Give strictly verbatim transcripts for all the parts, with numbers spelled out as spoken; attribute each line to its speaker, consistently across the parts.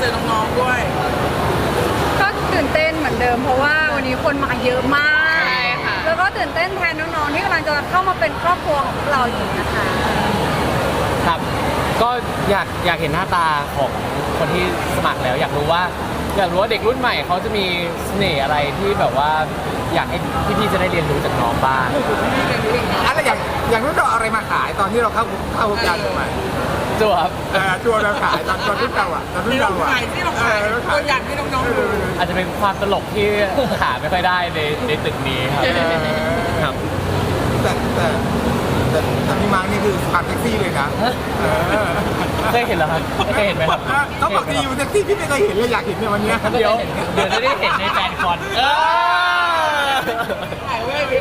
Speaker 1: เจอน้องๆด้วย
Speaker 2: ก็ตื่นเต้นเหมือนเดิมเพราะว่าวันนี้คนมาเยอะมาก
Speaker 3: ใช่ค่ะ
Speaker 2: แล้วก็ตื่นเต้นแทนน้องๆที่กำลังจะเข้ามาเป็นครอบครัวของเราอยู่นะคะ
Speaker 4: ครับก็อยากอยากเห็นหน้าตาของคนที่สมัครแล้ว อยากรู้ว่าอยากรู้ว่าเด็กรุ่นใหม่เขาจะมีเสน่ห์อะไรที่แบบว่าอยากให้พี่ๆจะได้เรียนรู้จากน้องบ้าง
Speaker 5: อะไรอย่างอย่างนู้นเราเอาอะไรมาขายตอนที่เราเข้าเข้าวงการใหม่
Speaker 4: จัวครับ
Speaker 5: เออตัวเราขายตอนตอนรุ่นเราอ่ะตอนรุ่นเราอ่ะ
Speaker 1: ขายที่เราขายตัวอย่างที่น้องๆดู
Speaker 4: อาจจะเป็นความตลกที่หาไม่ค่อยได้ในในตึกนี้ครับครับ
Speaker 5: แต่แต่แต่แต่พี่มาร์กนี่คือความเซ็กซี่เลยนะเออ
Speaker 4: เคยเห็นแล้วครับเคยเห็นไหมครับ
Speaker 5: เขาบอกดีอยู่เซ็กซี่พี่ไม่เคยเห็นเลยอยากเห็นในวันเนี้ย
Speaker 4: เดี๋ยวเดี๋ยวจะได้เห็นในแฟนคอนเออ
Speaker 1: ขายเว้ย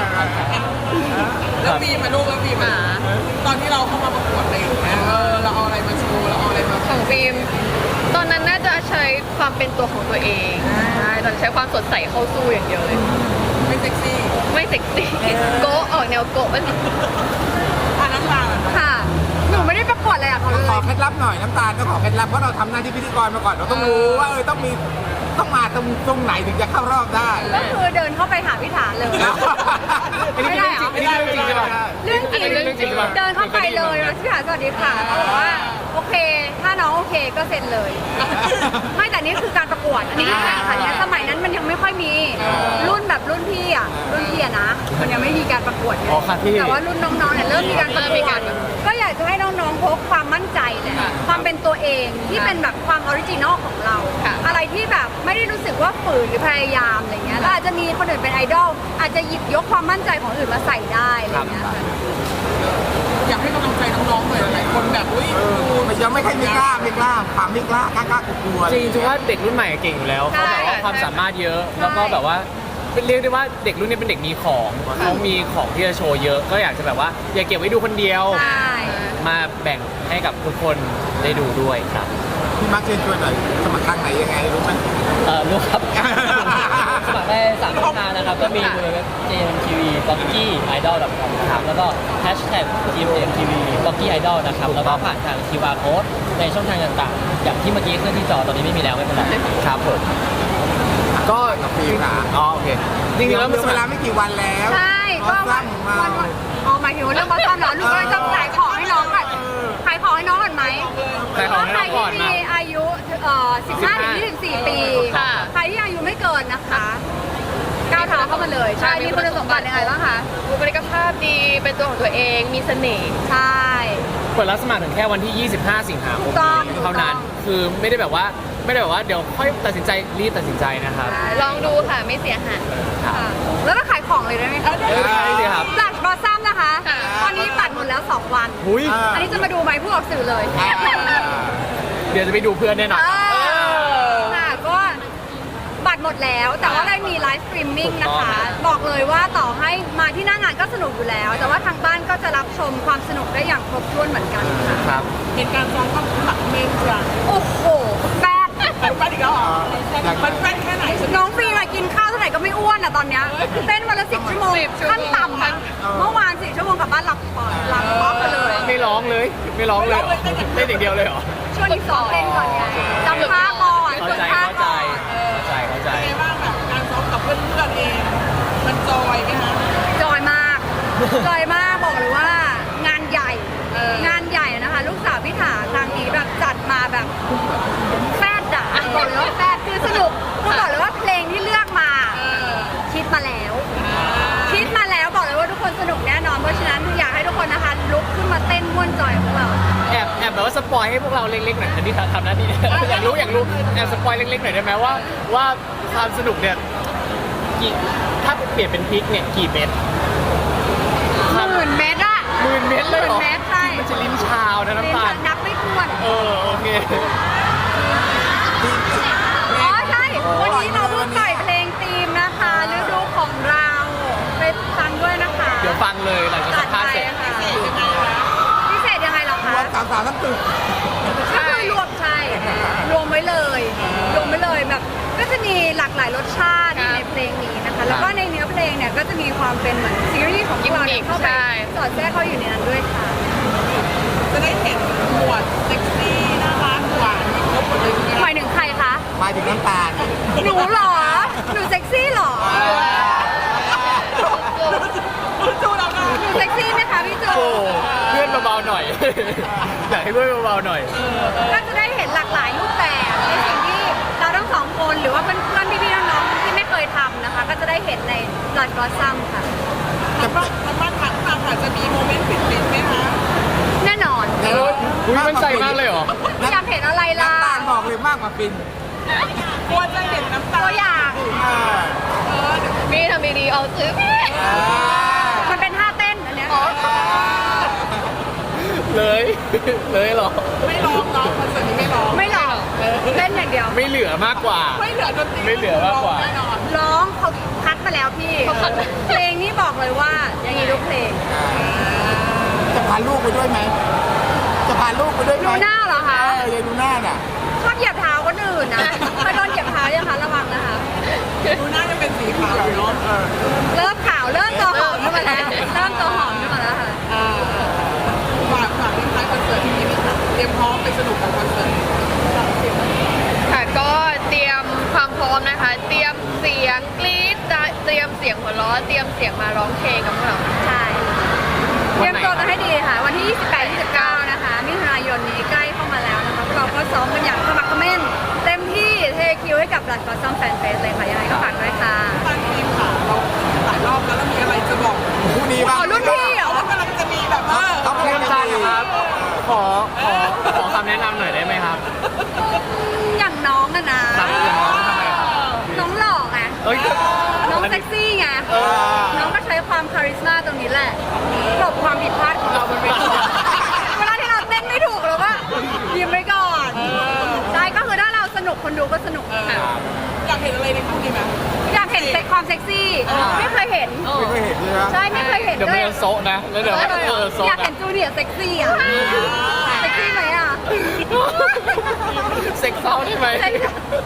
Speaker 1: แล้วมีมาลูกแล้วมีมาตอนที่เราเข้ามาประกวดอะไรอย่างเงี้ยเออเราเอาอะไรมาโชว์เราเอาอะไรมา
Speaker 3: ของฟิล์มตอนนั้นน่าจะใช้ความเป็นตัวของตัวเองใช่ตอนนนใช้ความสดใสเข้าสู้อย่างเดียวเลย
Speaker 1: ไม่เซ็กซี่
Speaker 3: ไม่เซ็กซี่โกะออกแนวโกะมัน
Speaker 1: อ่ะน้ำตาล
Speaker 2: ค่ะหนูไม่ได้ประกวดอะไรอะเขาเลย
Speaker 5: ขอเคล็ดลับหน่อยน้ำตาลต้องขอเคล็ดลับเพราะเราทำหน้าที่พิธีกรมาก่อนเราต้องรู้ว่าเออต้องมีต้องมาตรงตรงไหนถึงจะเข้ารอบได้
Speaker 2: ก็คือเดินเข้าไปหาพี่ฐานเลย
Speaker 4: อันนี้คือเรื่องจริงอันนี้เรื่องจริงใช่ปะ
Speaker 2: เรื่องจริง
Speaker 4: อันนี้เรื่องจริงใช่ปะ
Speaker 2: เดินเข้าไปเลยแล้วพี่ฐานสวัสดีค่ะเขาบอกว่าโอเค ถ้าน้องโอเคก็เซ็นเลย ไม่แต่นี่คือการประกวดอันนี้คือการแข่งขันเนี่ยสมัยนั้นมันยังไม่ค่อยมี รุ่นแบบรุ่นพี่อ่ะรุ่นพี่อะนะ มันยังไม่มีการประกวดไง
Speaker 4: อ๋อครับพี่
Speaker 2: แต่ว่ารุ่นน้องๆเนี่ยเริ่มมีการประกวดก็อยากจะให้น้องๆพกความมั่นใจเลยความเป็นตัวเองที่เป็นแบบความออริจินอลของเรา อะไรที่แบบไม่ได้รู้สึกว่าฝืนหรือพยายามอะไรเงี้ยแล้วอาจจะมีคนอื่นเป็นไอดอลอาจจะหยิบยกความมั่นใจของอื่นมาใส่ได้อะไรเงี้ยค่ะ
Speaker 1: อยากให้กำลังใจน้องๆหน่อยหลายคนแบบอุ้ย
Speaker 5: เออมันยังไม่ค่อยไม่กล้าไม่กล้าความไม่กล้ากล้ากล้ากลัวๆ
Speaker 4: จริงๆถือว่าเด็กรุ่นใหม่เก่งอยู่แล้วเขาแบบว่าความสามารถเยอะ แล้วก็แบบว่าเป็นเรียกได้ว่าเด็กรุ่นนี้เป็นเด็กมีของเขามีของที่จะโชว์เยอะ ก็อยากจะแบบว่าอย่าเก็บไว้ดูคนเดียว
Speaker 2: ใช่
Speaker 4: มาแบ่งให้กับทุกคนได้ดูด้วยครับ
Speaker 5: พี่มาร์คเชิญชวนหน่อยสมัครทางไหนยังไงรู้ไหม
Speaker 6: เออรู้ครับ สมัครได้สามช่องทางนะครับ ก็มีเว็บ เจ เอ็ม ที วี บล็อกกี้ ไอดอล ดอท คอม นะครับ แล้วก็แฮชแท็ก จี เอ็ม ที วี บล็อกกี้ ไอดอล นะครับ แล้วก็ผ่านทาง คิว อาร์ Code ในช่องทางต่างๆ อย่างที่เมื่อกี้ขึ้นที่จอตอนนี้ไม่มีแล้วไม่เป็นไร
Speaker 4: ครับผมก็
Speaker 5: กับฟิล์มค่ะ
Speaker 4: อ๋อโอเคจริงๆแล้วมัน
Speaker 5: เวลาไม่กี่วันแล้ว
Speaker 2: ใช่ก็
Speaker 5: ก็
Speaker 2: วัน
Speaker 5: ซ้ำมา
Speaker 2: วันวันอ๋อหมายถึงว่าเรื่องบอสซัมเหรอลูกก็เลยต้องขายของให้น้องก่อนขายของให้น้องก่อนไหม
Speaker 4: ขายของให้น้องก่อน
Speaker 2: ใครที่
Speaker 4: นะ
Speaker 2: มีอายุเอ่อสิบห้าถึงยี่สิบสี่ปี
Speaker 3: ค่ะ
Speaker 2: ใครที่อายุไม่เกินนะคะก้าวเท้าเข้ามาเลยใช่มีคุณสมบัติยังไงบ้างคะ
Speaker 3: บุคลิกภาพดีเป็นตัวของตัวเอง มีเสน่ห์
Speaker 2: ใช่
Speaker 4: เปิดรับสมัครถึงแค่วันที่ ยี่สิบห้า สิงหาคม
Speaker 2: ถูกต้อง
Speaker 4: เท่านั้น คือไม่ได้แบบว่าไม่ได้แบบว่าเดี๋ยวค่อยตัดสินใจรีบตัดสินใจนะครับ
Speaker 3: ลองดูค่ะไม่เสียหาย
Speaker 4: ครับ
Speaker 2: ค่ะแล้วก็ขายของเลยได้ไหมคะ
Speaker 4: เออได้สิครับ
Speaker 2: จากบอสซัมนะคะ
Speaker 3: ค่ะ
Speaker 2: ตอนนี้บัตรหมดแล้วสองวัน
Speaker 4: หุย
Speaker 5: อ่า
Speaker 2: อันนี้จะมาดูไหมผู้ออกสื่อเลย
Speaker 4: เดี๋ยวจะไปดูเพื่อนแน่นอน
Speaker 2: เออค่ะก็บัตรหมดแล้วแต่ว่าเรามีไลฟ์สตรีมมิ่งนะคะ บอกเลยว่าต่อให้มาที่หน้างานก็สนุกอยู่แล้ว แต่ว่าทางบ้านก็จะรับชมความสนุกได้อย่างครบถ้วนเหมือนกันค่ะ
Speaker 4: ครับ
Speaker 1: เหตุการณ์ซ้อมก็หลักเมนจ้ะ
Speaker 2: โอ้โหแป๊ด
Speaker 1: มันแป้นอีกแล้วเหรอมันแป้นแค่ไหน
Speaker 2: น้องฟรีมากินข้าวเท่าไหร่ก็ไม่อ้วนอ่ะตอนเนี้ยเต้นวันละสิบชั่วโมงขั้นต่ำอ่ะเมื่อวานสี่ชั่วโมงกลับบ้านหลับปอดหลับป๊อกกันเลย
Speaker 4: ไม่ร้องเลย ไม่ร้องเลยเหรอเล่นอย่างเดียวเลยเหรอ
Speaker 2: ช่วงนี้ซ้อมเต้นก่อนไงจำท่าก่อน
Speaker 4: เข้า
Speaker 2: ฝึก
Speaker 4: ใจ
Speaker 2: ท่า
Speaker 4: เข้าใจ
Speaker 2: ก่อน
Speaker 4: เข้าใจเข้าใจ
Speaker 1: เป็นไงบ้างแบบการซ้อมกับเพื่อนๆเอง มันจอยไหมคะ
Speaker 2: จอยมากจอยมากบอกเลยว่างานใหญ่
Speaker 1: เออ
Speaker 2: งานใหญ่นะคะ ลูกสาวพี่ถาครั้งนี้แบบจัดมาแบบแฟดอ่ะบอกเลยว่าแฟดคือสนุกคือบอกเลยว่าเพลงที่เลือกมา
Speaker 1: เออ
Speaker 2: คิดมาแล้ว คิดมาแล้วบอกเลยว่าทุกคนสนุกแน่นอนเพราะฉะนั้นอยากให้ทุกคนนะคะลุกขึ้นมาเต้นม่วนจอยของเรา
Speaker 4: แอบแอบแบบว่าสปอยให้พวกเราเล็กๆหน่อยอันนี้ทำหน้าที่เนี่ยอยากรู้อยากรู้แอบสปอยเล็กๆหน่อยได้ไหมว่าว่าความสนุกเนี่ยกี่ถ้าเปลี่ยนเป็นพริกเนี่ยกี่เม็ด
Speaker 2: หมื่นเมตรอะ
Speaker 4: หมื่นเม็ดเลยเหรอ
Speaker 2: หมื่นเมตรใช่
Speaker 4: มันจะลิ้นชาวนะน้ำตาล
Speaker 2: นับไม่ถ้วน
Speaker 4: เออโอเค
Speaker 2: อ๋อใช่ วันนี้เราเพิ่งปล่อยเพลงธีมนะคะฤดูของเราไปฟังด้วยนะคะ
Speaker 4: เดี๋ยวฟังเลยหลังจากสัมภาษณ์เสร็จ
Speaker 2: จัดไปค่ะพิเศษยังไงเหรอคะ
Speaker 5: รวมสามสาวทั้งตึก
Speaker 2: ก็คือรวมใช่ รวมไว้เลย รวมไว้เลยแบบ ก็จะมีหลากหลายรสชาติในเพลงนี้นะคะ แล้วก็ในเนื้อเพลงเนี่ยก็จะมีความเป็นเหมือนซีรีส์ของพวกเราเนี่ยเข้าไปสอดแทรกเข้าอยู่ในนั้นด้วยค่ะ
Speaker 1: จะได้เห็นหมวดเซ็กซี่น่ารักหวานมีครบหมดเลย
Speaker 2: หมาย
Speaker 4: อยากให้ด้วยเบาๆหน่อย
Speaker 2: ก็จะได้เห็นหลากหลายรูปแบบในสิ่งที่เราทั้งสองคนหรือว่าเพื่อนๆพี่ๆน้องๆที่ไม่เคยทำนะคะ ก็จะได้เห็นใน Blood Blossom ค่ะ
Speaker 1: ทางบ้านทางบ้านทางทางค่ะจะมีโมเมนต์ปิดๆไหมคะ
Speaker 2: แน่นอน
Speaker 5: เออ
Speaker 4: อุ๊ยมั่นใจมากเลยเหรอ
Speaker 2: อยากเห็นอะไรล่ะ
Speaker 5: น้ำตาลบอกเลยมากกว่าฟิน
Speaker 1: กลัวจะเห็นน้ำตา
Speaker 2: ตัวอย่าง
Speaker 5: เออ
Speaker 3: มีทำดีๆเอาซื้อพี่
Speaker 5: เออ
Speaker 2: มันเป็นท่าเต้นอันเนี้ย
Speaker 4: เลย เลยเหรอ
Speaker 1: ไม่ร้องเนาะคอนเสิร์ตนี้ไม่ร้อง
Speaker 2: ไม่หรอกเต้นอย่างเดียว
Speaker 4: ไม่เหลือมากกว่า
Speaker 1: ไม่เหลือดนตรี
Speaker 4: ไม่เหลือมากกว่า
Speaker 1: แน่นอน
Speaker 2: ร้องเขาคัดมาแล้วพี่ เพลงนี่บอกเลยว่าอย่างนี้ทุกเพลง
Speaker 5: จะพาลูกไปด้วยไหมจะพาลูกไปด้วยไหม
Speaker 2: ดูหน้าเหรอคะ
Speaker 5: เออยังดูหน้าน่ะ
Speaker 2: ชอบเหยียบเท้าคนอื่นนะเคยโดนเหยียบเท้ายังคะระวังนะคะ
Speaker 1: ดูหน้าจะเป็นสีขาวเนาะ
Speaker 2: เริ่มขาวเริ่มตัวหอมขึ้นมาแล้วเริ่มตัวหอมขึ้นมาแล้วค่ะ
Speaker 1: อ่าฝากฝากทิ้งท้ายคอนเสิร์ตที่นี่ค่ะเตรียมพร้อมไปสนุกกับคอนเสิร์ต
Speaker 3: ค่ะก็เตรียมความพร้อมนะคะ เตรียมเสียงกรี๊ดเตรียมเสียงหัวเราะเตรียมเสียงมาร้องเพลงกับพวกเรา
Speaker 2: ใช่เตรียมตัวกันให้ดีค่ะ วันที่ ยี่สิบแปด ยี่สิบเก้า นะคะมิถุนายนนี้ใกล้เข้ามาแล้วนะคะพวกเราก็ซ้อมกันอย่างขมักเขม้นเต็มที่เทคิวให้กับ Blood Blossom Fan Fest เลยค่ะยังไงก็ฝากด้วยค่ะ
Speaker 1: ตั้งทีมค่ะเราหลายรอบแล้วแล้วมีอะไรจะบอก
Speaker 5: คู่นี้บ้าง
Speaker 2: อ๋อรุ่นพี่เหรอ
Speaker 1: ว่ากำลังจะมีแบบว่า
Speaker 5: เขา
Speaker 4: เพื่
Speaker 5: เพื่
Speaker 4: อ
Speaker 5: อน น
Speaker 4: จั
Speaker 5: กัน น
Speaker 4: ครับ ขอ ขอ ขอคำแนะนำหน่อยได้ไหมครับ
Speaker 2: อย่างน้องอะนะครับ
Speaker 4: อย่างน้องทำไมครับ
Speaker 2: น้องหล่อไง
Speaker 4: เอ้ย
Speaker 2: น้องเซ็กซี่ไง
Speaker 4: เออ
Speaker 2: น้องก็ใช้ความคาริสมาตรงนี้แหละกลบความผิดพลาดของเราบนเวทีเวลาที่เราเต้นไม่ถูกเราก็ยิ้มไว้ก่อนใช่ก็คือถ้าเราสนุกคนดูก็สนุกค่ะ
Speaker 1: อยากเห็นอะไรในคู่นี้ไหม
Speaker 2: อยากเห็นเซ็กความเซ็กซี่ ไม่เคยเห็น
Speaker 5: ไม่เคยเห็นเลยนะ
Speaker 2: ใช่ไม่เคยเห็น
Speaker 4: เดี๋ยว
Speaker 2: ด้
Speaker 4: มั
Speaker 2: วน ย
Speaker 4: จะโซะนะ แล้วเดี๋ยวมันเออโซะ
Speaker 2: อยาก
Speaker 4: นะ
Speaker 2: เห็นจูเนียร์เซ็กซี่อ่ะเซ็กซี่ไหมอ่ะ
Speaker 4: เซ็กเซาได้ไหม
Speaker 2: เซ็ก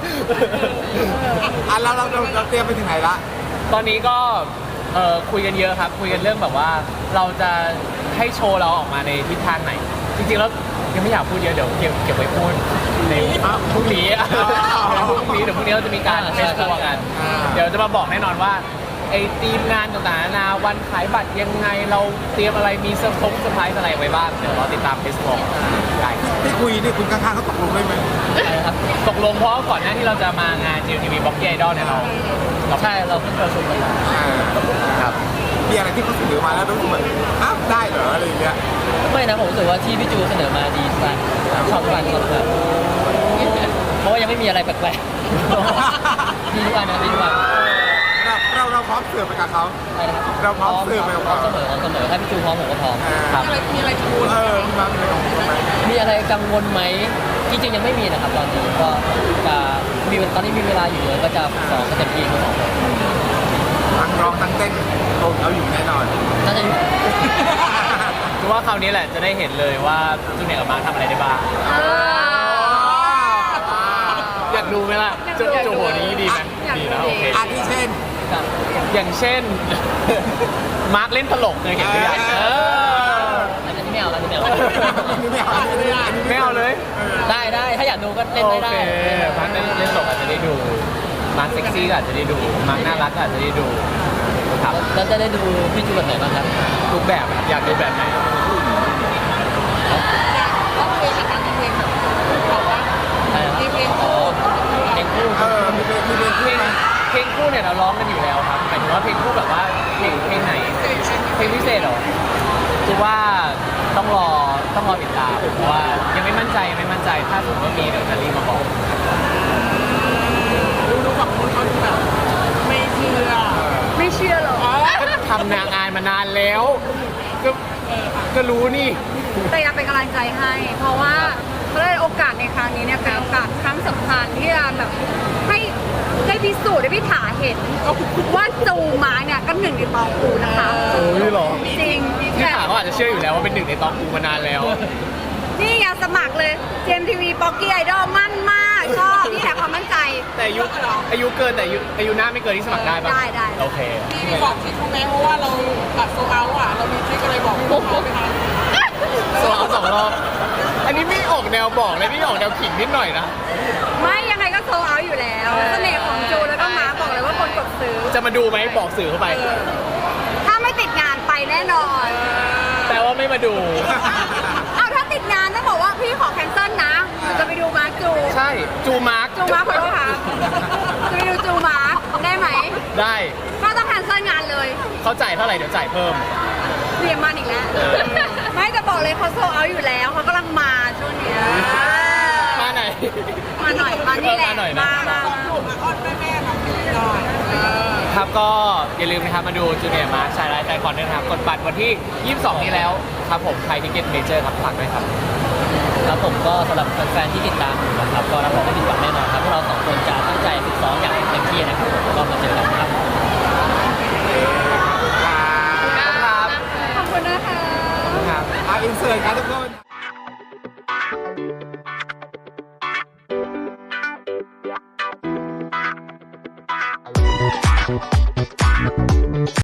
Speaker 5: อ่ะเราเราเราเราเตรียมไปถึงไหนละ
Speaker 4: ตอนนี้ก็เอ่อคุยกันเยอะครับ คุยกันเรื่องแบบว่าเราจะให้โชว์เราออกมาในทิศทางไหน จริงๆแล้วยังไม่อยากพูดเยอะเดี๋ยวเก็บเก็บไว้พูดในพรุ่งนี้พรุ่งนี้เดี๋ยวพรุ่งนี้เราจะมีการเฟสทัวร์กัน เดี๋ยวจะมาบอกแน่นอนว่าไอ้ทีมงานต่างๆนานาวันขายบัตรยังไงเราเตรียมอะไรมีเซอร์ไพรส์เซอร์ไพรส์อะไรไว้บ้างเดี๋ยวรอติดตามเฟสทัวร์ได้
Speaker 5: ที่คุยนี่คุณข้างๆเขาตกลงได้ไหม
Speaker 6: ครับ
Speaker 4: ตกลงเพราะว่าก่อนหน้าที่เราจะมางาน จี เอ็ม ที วี Box Idol เนี่ยเราเรา
Speaker 6: ใช่เราเพิ่งประชุมกันมา
Speaker 5: อ่า
Speaker 4: ครับ
Speaker 5: มีอะไรที่เขาเสนอมาแล้วรู้สึกแบบอ้าวได้เหรออะไรอย่างเงี้ย
Speaker 6: ไม่นะผมรู้สึกว่าที่พี่จูเสนอมาดีสุดชอบทุกอันชอบทุกอันเพราะว่ายังไม่มีอะไรแปลกๆดีทุกอันนะดีทุกอัน
Speaker 5: เราเราเราพร้อมเสิร์ฟไปกับเขา
Speaker 6: อะไรนะครับ
Speaker 5: เราพร้อมเสิร์ฟไปกับ
Speaker 6: พร้อ
Speaker 5: เขา
Speaker 6: มเสมอพร้อมเสมอถ้าพี่จูพร้อมผมก็พร้อม
Speaker 5: ครับ
Speaker 1: มีอะไรมีอะไรชู
Speaker 5: เออมีมามีอะไรของคุณไหม
Speaker 6: มีอะไรกังวลไหมจริงๆยังไม่มีนะครับตอนนี้ก็จะมีตอนนี้มีเวลาอยู่เลยก็จะสองก็เต็มที่ทั้งสองคน
Speaker 5: ทั้งร้องทั้งเต้นโอ้เอาอยู่แน่นอน
Speaker 6: น่าจะอยู่
Speaker 4: คือว่าคราวนี้แหละจะได้เห็นเลยว่าจูเนียร์กับมาร์คทำอะไรได้บ้าง
Speaker 2: เออ
Speaker 4: อยากดูไหมล่ะจะจะหัวนี้ดีไหม
Speaker 2: อยากดู
Speaker 4: ดีนะโอเค
Speaker 5: อาทิเช่น
Speaker 6: ครับ
Speaker 4: อย่างเช่น มาร์คเล่นตลกเคยเห็นหรือยัง
Speaker 5: เออ
Speaker 4: เออ
Speaker 6: อันนี้ไม่เอาอันนี้ไม่เอา
Speaker 5: อันนี้ไม่เอาอันนี้ไม่เอาอันนี้
Speaker 4: ไม่เอาเลย
Speaker 6: ได้ได้ถ้าอยากดูก็เล่น
Speaker 4: โอ
Speaker 6: ได้
Speaker 4: เค
Speaker 6: ได้
Speaker 4: มาร์คเล่นเล่นตลกอาจจะได้ดู มาร์คเซ็กซี่ก็อาจจะได้ดู มาร์คน่ารักก็อาจจะได้ดูครับ
Speaker 6: แล้วจะได้ดูพี่จูแบบไหนบ้างครับ
Speaker 4: ทุกแบบอะอยากดูแบบไหน
Speaker 1: ร้องเพลงอีกครั้งเพลงแบบบอกว่า
Speaker 6: อะไรนะ
Speaker 1: มีเพลง
Speaker 6: อ๋อเพลงคู่
Speaker 5: เออมีเพลงมีเพลง
Speaker 4: เพล
Speaker 5: ขึ้น
Speaker 4: ง
Speaker 5: ไหม
Speaker 4: เพลงคู่เนี่ยเราร้องกันอยู่แล้วครับหมายถึงว่าเพลงคู่แบบว่าเพลงเพลงไหน เพลงพิเศษเหรอคือว่าต้องรอต้องรอติดตามเพราะว่ายังไม่มั่นใจยังไม่มั่นใจถ้าสมมติว่ามีเดี๋ยวจะรีบมาบอก
Speaker 1: ดูดูฝั่งนู้นเขาดูแบบไม่เชื่อ
Speaker 2: ไม่เชื่อหรอก
Speaker 4: ก็ทำนางงานมานานแล้วก็ก็รู้นี่
Speaker 2: แต่อยากเป็นกำลังใจให้ เพราะว่าเพราะว่าโอกาสในครั้งนี้เนี่ยเป็นโอกาสครั้งสำคัญที่จะแบบให้ได้พิสูจน์ได้พิถาเห็นว่าจูมาเนี่ยก็หนึ่งในตองปูนะคะ
Speaker 4: โอ้ยหรอ
Speaker 2: จริง
Speaker 4: ที่ถามก็อาจจะเชื่ออยู่แล้วว่าเป็นหนึ่งในตองกูมานานแล้ว
Speaker 2: นี่ไงสมัครเลย เจมทีวีป๊อกกี้ไอดอลมั่นมากชอบนี่แหละความมั่นใจ
Speaker 4: แต่อายุอายุเกินแต่อายุอายุหน้าไม่เกินที่สมัครได้ปะ
Speaker 2: ได้ได้
Speaker 4: โอเค
Speaker 1: มีมีบอกทริคเขาไหมเพราะว่าเราตัดโซเอาอ่ะเรามีทริคอะไรบอกพวกเขาไหมคะ
Speaker 4: สองสองรอบอันนี้ไม่ออกแนวบอกเลยนี่ออกแนวขิงนิดหน่อยนะ
Speaker 2: ไม่ยังไงก็โซเอาอยู่แล้วเสน่ห์ของจูแล้วก็มาร์คบอกเลยว่าคนกดซื้อ
Speaker 4: จะมาดูไหมบอกสื่อเข้าไป
Speaker 2: ถ้าไม่ติดงานไปแน่นอน
Speaker 4: แต่ว่าไม่มาดู
Speaker 2: เอาถ้า
Speaker 4: ได้
Speaker 2: ก็ต้องแคนเซิลงานเลย
Speaker 4: เขาจ่ายเท่าไหร่เดี๋ยวจ่ายเพิ่ม
Speaker 2: เรียนมาอีกแล้ว
Speaker 4: เออ
Speaker 2: ไม่จะบอกเลยเขาโซเอาอยู่แล้วเขากำลังมาช่วงเนี้ย
Speaker 4: มาไหน
Speaker 2: มาหน่อยมานี่แหละ
Speaker 4: มาหน่อยนะ
Speaker 2: มามา
Speaker 1: ต้องถูกอ่ะอ้อนแม่แม่ๆมาคุยหน่อยเออ
Speaker 4: ครับก็อย่าลืมนะครับมาดูจูเนียร์มาร์ชายไลฟ์แฟนคอนด้วยนะครับกดบัตรวันที่ ยี่สิบสอง นี้แล้วครับผมไทยทิเก็ตเมเจอร์ครับฝากด้วยครับ
Speaker 6: ครับผมก็สำหรับแฟนๆที่ติดตามอยู่นะครับก็รับรองไม่ผิดหวังแน่นอนครับพวกเราสองคนจะตั้งใจฝึกซ้อมอย่างเต็มที่นะครับผมก็มาเจอกันครับ
Speaker 4: ครับ
Speaker 2: ขอบคุณนะคะ
Speaker 4: ครับ
Speaker 5: อ่ะอินเสิร์ตครับทุกคน